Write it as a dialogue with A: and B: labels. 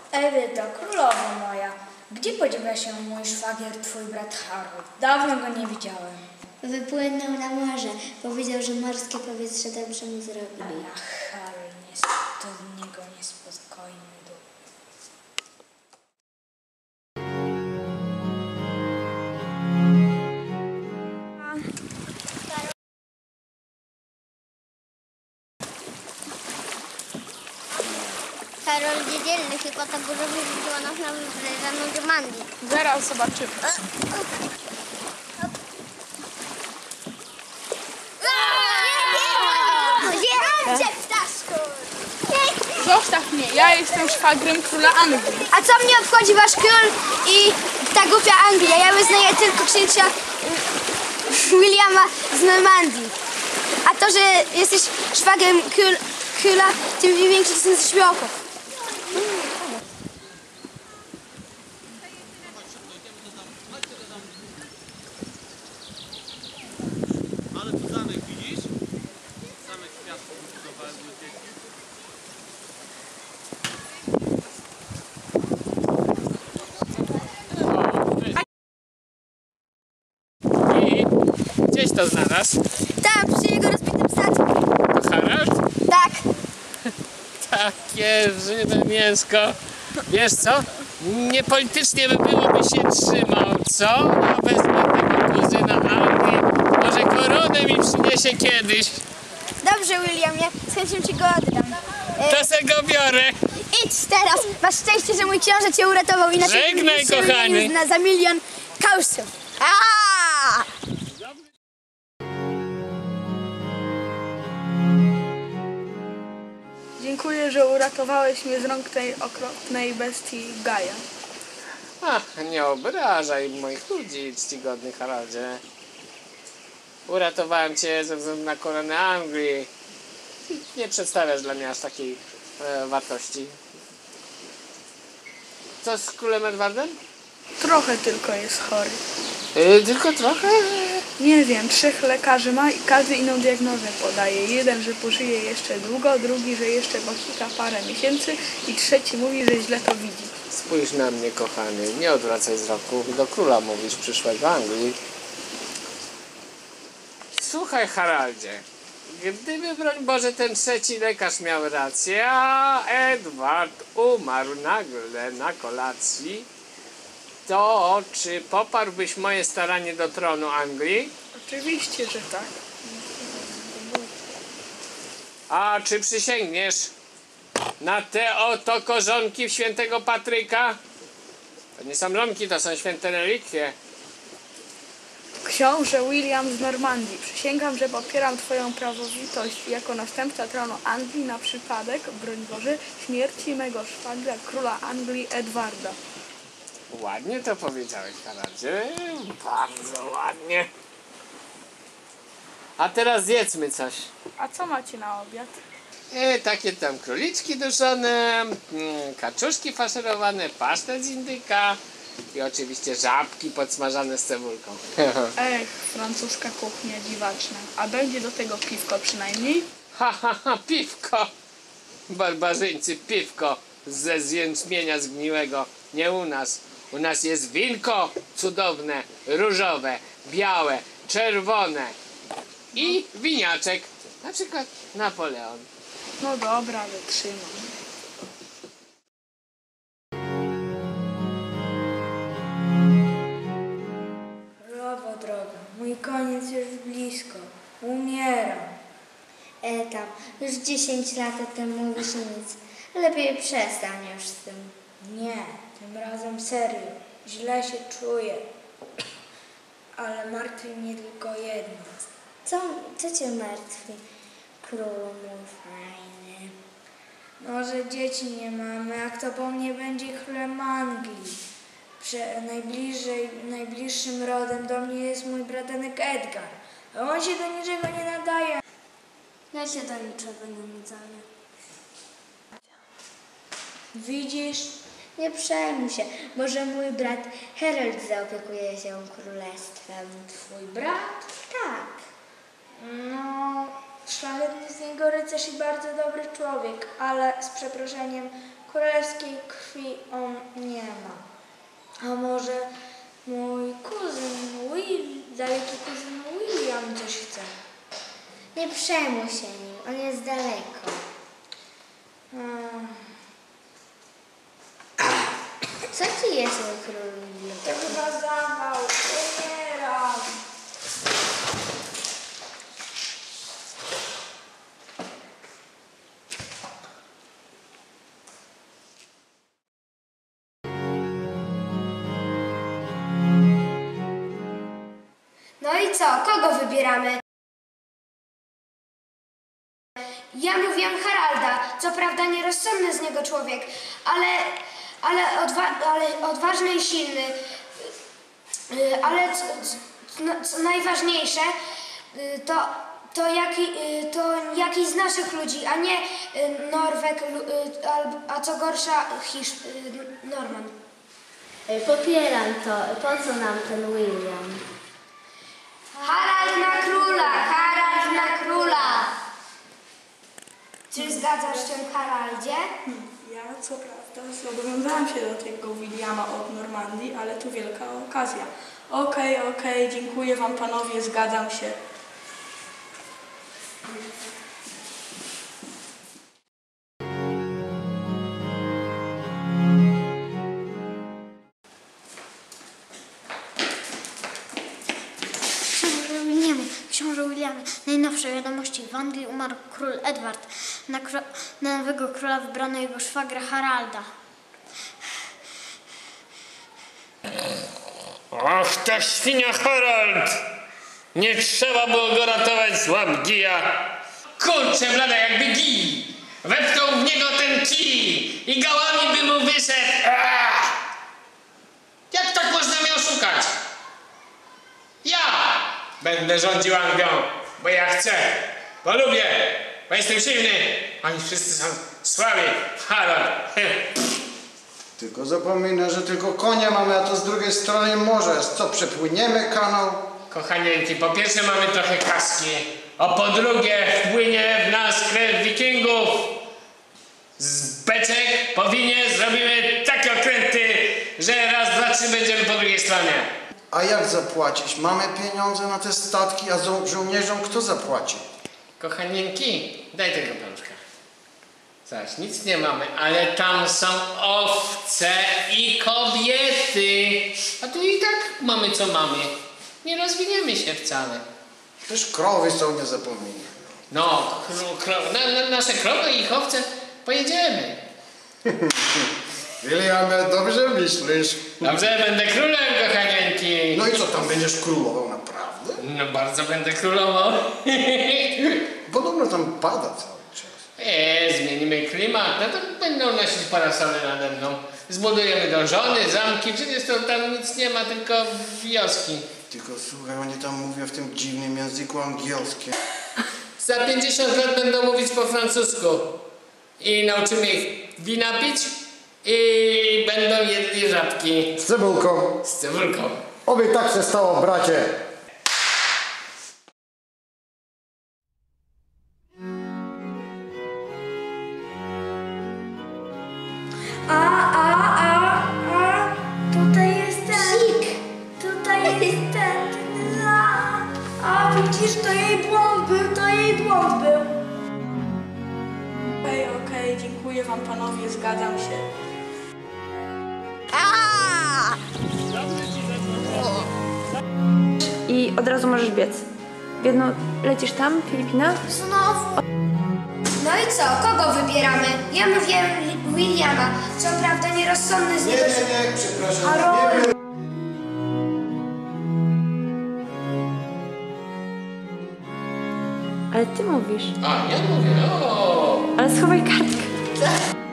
A: Edyto, królowo moja, gdzie podziewia się mój szwagier, twój brat Harold? Dawno go nie widziałem.
B: Wypłynął na morze. Powiedział, że morskie powietrze dobrze mu zrobi.
A: Ach, Harold, to z niego niespokojny duch.
B: Karol niedzielny chyba tak dużo wyżyczyła nas na wybrzeżaną Normandii.
C: Zaraz zobaczymy. Zostaw mnie, ja jestem szwagrem króla Anglii.
B: A co mnie obchodzi wasz król i ta głupia Anglia? Ja wyznaję tylko księcia Williama z Normandii. A to, że jesteś szwagrem króla, tym większy sens śmiechu.
D: Ale tu zamek widzisz? Zamek z piasku budowałem do dzieci.
E: I gdzieś to znalazł?
B: Tam, przy jego rozbitym statku.
E: To Harald?
B: Tak.
E: Takie żywe mięsko. Wiesz co? Niepolitycznie by byłoby się trzymał, co? Ja wezmę tego kuzyna Anglii. Może koronę mi przyniesie kiedyś.
B: Dobrze, Williamie, z chęcią ci go oddam.
E: To se go biorę.
B: Idź teraz. Masz szczęście, że mój książę cię uratował. Inaczej
E: Żegnaj,
B: byś się
E: kochany.
B: wymienił za milion kausów. Aaaa!
C: Dziękuję, że uratowałeś mnie z rąk tej okropnej bestii Gaja.
E: Ach, nie obrażaj moich ludzi, czcigodny Haraldzie. Uratowałem cię ze względu na koronę Anglii. Nie przedstawiasz dla mnie aż takiej wartości. Co z królem Edwardem?
C: Trochę tylko jest chory.
E: Tylko trochę?
C: Nie wiem, 3 lekarzy ma i każdy inną diagnozę podaje. Jeden, że pożyje jeszcze długo, drugi, że jeszcze pochika parę miesięcy i trzeci mówi, że źle to widzi.
E: Spójrz na mnie, kochany. Nie odwracaj wzroku. Do króla mówisz przyszłego Anglii. Słuchaj, Haraldzie. Gdyby, broń Boże, ten trzeci lekarz miał rację, a Edward umarł nagle na kolacji, to czy poparłbyś moje staranie do tronu Anglii?
C: Oczywiście, że tak.
E: A czy przysięgniesz na te oto korzonki świętego Patryka? To nie są żonki, to są święte relikwie.
C: Książę William z Normandii, przysięgam, że popieram twoją prawowitość jako następca tronu Anglii na przypadek, broń Boże, śmierci mego szwagra, króla Anglii Edwarda.
E: Ładnie to powiedziałeś, Haraldzie. Bardzo ładnie. A teraz zjedzmy coś.
C: A co macie na obiad?
E: Takie tam króliczki duszone, kaczuszki faszerowane, pasztet z indyka i oczywiście żabki podsmażane z cebulką.
C: Ech, francuska kuchnia dziwaczna. A będzie do tego piwko przynajmniej?
E: Piwko! Barbarzyńcy, piwko ze jęczmienia zgniłego. Nie u nas. U nas jest winko cudowne, różowe, białe, czerwone i winiaczek. Na przykład Napoleon.
C: No dobra, wytrzymam.
A: Królowo droga, mój koniec już blisko. Umieram.
B: Tam, już 10 lat o tym mówisz nic. Lepiej przestań już z tym.
A: Nie, tym razem serio. Źle się czuję. Ale martwi mnie tylko jedno.
B: Co cię martwi, królu mój fajny?
A: No, że dzieci nie mamy, a kto po mnie będzie królem Anglii? Najbliższym rodem do mnie jest mój bratanek Edgar. A on się do niczego nie nadaje.
B: Ja się do niczego nie nadaję.
A: Widzisz?
B: Nie przejmuj się, może mój brat Harold zaopiekuje się królestwem.
A: Twój brat?
B: Tak.
A: No, szlachetny z niego rycerz i bardzo dobry człowiek, ale z przeproszeniem królewskiej krwi on nie ma. A może mój daleki kuzyn William coś chce?
B: Nie przejmuj się nim, on jest daleko. Co ci jest, mój król William?
A: To chyba zawał, umieram.
B: No i co? Kogo wybieramy? Ja mówię Haralda, co prawda nierozsądny z niego człowiek, ale odważny i silny. Ale co najważniejsze, to jakiś z naszych ludzi, a nie Norweg, a co gorsza Norman.
F: Popieram to. Po co nam ten William?
B: Harald na króla! Harald na króla! Czy zgadzasz się, Haraldzie?
C: Ja co prawda zobowiązałam się do tego Williama od Normandii, ale tu wielka okazja. Okej, dziękuję wam panowie, zgadzam się.
F: Książę Williamie, najnowsze wiadomości. W Anglii umarł król Edward. Na nowego króla wybrano jego szwagra Haralda.
E: Ach, ta świnia Harald! Nie trzeba było go ratować z łap gija. Kurczę blada, jakby gij! Wepchnął w niego ten kij i gałami by mu wyszedł. Jak tak można mnie oszukać? Ja będę rządził Anglią, bo ja chcę, bo lubię, bo jestem silny. Oni wszyscy są słabi. Harald.
G: Tylko zapomina, że tylko konia mamy, a to z drugiej strony morze. Co, przepłyniemy kanał?
E: Kochanieńki, po pierwsze mamy trochę kaski, a po drugie wpłynie w nas krew wikingów. Z beczek po winie zrobimy takie okręty, że raz, dwa, trzy będziemy po drugiej stronie.
G: A jak zapłacić? Mamy pieniądze na te statki, a żołnierzom kto zapłaci?
E: Kochanieńki, daj tego pączka. Zaś, nic nie mamy, ale tam są owce i kobiety. A tu i tak mamy co mamy. Nie rozwiniemy się wcale.
G: Też krowy są, nie zapomnij.
E: No, nasze krowy i ich owce pojedziemy.
G: Williamie, dobrze myślisz.
E: Dobrze, będę królem, kochanieńki.
G: No i co, tam będziesz królował naprawdę?
E: No bardzo będę królował.
G: Podobno tam pada cały czas.
E: Zmienimy klimat, no to będą nosić parasole nade mną. Zbudujemy dążony, zamki, przecież to tam nic nie ma, tylko wioski.
G: Tylko słuchaj, oni tam mówią w tym dziwnym języku angielskim.
E: Za 50 lat będą mówić po francusku. I nauczymy ich wina pić i będą jedli żabki.
G: Z cebulką.
E: Z cebulką.
G: Oby tak się stało, bracie.
A: Tutaj jest ten. Tutaj jest ten. A widzisz, to jej błąd był,
C: Okej, dziękuję wam panowie, zgadzam się. I od razu możesz biec. Jedno, lecisz tam, Filipina?
B: Znowu. No i co? Kogo wybieramy? Ja mówię Williama. Co prawda nierozsądny z niego...
G: Nie, przepraszam.
C: Ale ty mówisz.
E: A, ja mówię, o.
C: Ale schowaj kartkę.